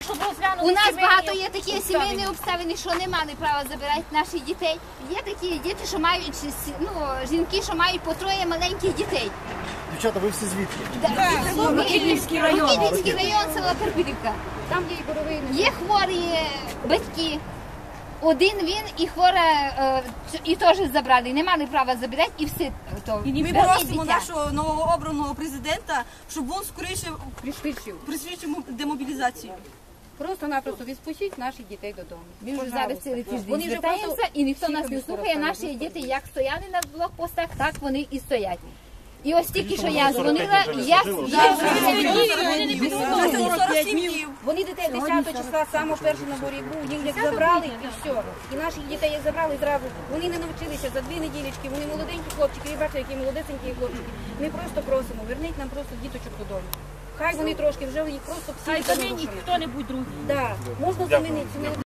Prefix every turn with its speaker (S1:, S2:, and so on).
S1: У нас багато є такі сімейні обставини, що не мали права забирати наших дітей. Є такі діти, що мають, жінки, що мають по троє маленьких дітей.
S2: Дівчата, ви всі звідки?
S1: Микитівський район, села Перпілівка.
S3: Там є і боровий.
S1: Є хворі батьки. Один він і хвора, і теж забрали, не мали права забирати, і все.
S4: Ми просимо нашого новообраного президента, щоб він скоріше пришвидшив демобілізацію.
S3: Просто-напросто відпустіть наших дітей додому.
S1: Він вже зараз цілий тиждень звертаємося, і ніхто нас не слухає. Наші діти як стояли на блокпостах, так вони і стоять. І ось тільки, що я дзвонила,
S3: Вони дітей 10 числа, саме перше на горі був, їх як забрали і все. І наших дітей як забрали зразу. Вони не навчилися за 2 неділечки, вони молоденькі хлопчики, ви бачите, які молодесенькі хлопчики. Ми просто просимо, верніть нам просто діточок додому. Хай вони трошки вже їх просто всі замінять хто-небудь другий. Так, можна замінити.